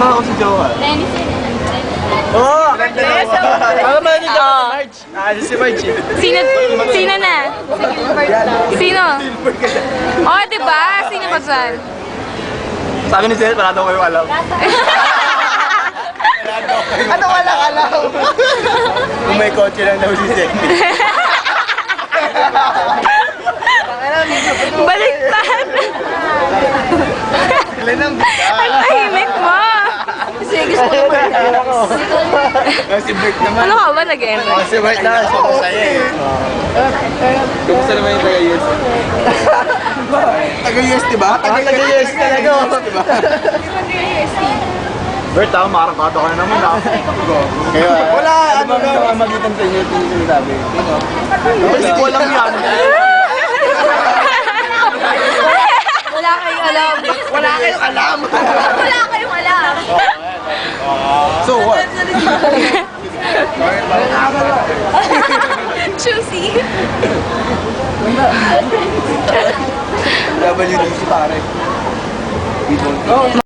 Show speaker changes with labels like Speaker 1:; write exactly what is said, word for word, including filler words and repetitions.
Speaker 1: ba ako si Jowa?
Speaker 2: Dennis yun.
Speaker 1: Oo! Ano ba yun yung March? Ah, si March eh.
Speaker 3: Sino, sino na? Sino? Oh, diba? Sino ba dyan?
Speaker 1: Sabi ni Seth, wala daw kayo alam. Ano walang alam? Kung may kotse lang daw si Seth.
Speaker 3: Baliktad!
Speaker 1: Ilan ang bigay?
Speaker 3: Ang tahimik mo!
Speaker 2: Kasi gusto ko naman.
Speaker 1: Si Bert naman.
Speaker 3: Ano ka ba nag-enroll?
Speaker 1: Oh, si Bert na, siya masaya eh. Kumusta naman yung taga-U S? Taga-U S, diba? Taga-U S talaga. Diba? Bert, ako makarapado ka na naman ah. Kaya, wala, ano ba ang mamagitan sa inyo yung sinasabi? Kasi ko lang yan.
Speaker 2: Wala kayong alam.
Speaker 1: Wala kayong alam.
Speaker 2: Wala kayong alam.
Speaker 1: So what?
Speaker 2: Choosy.
Speaker 1: W D C pare.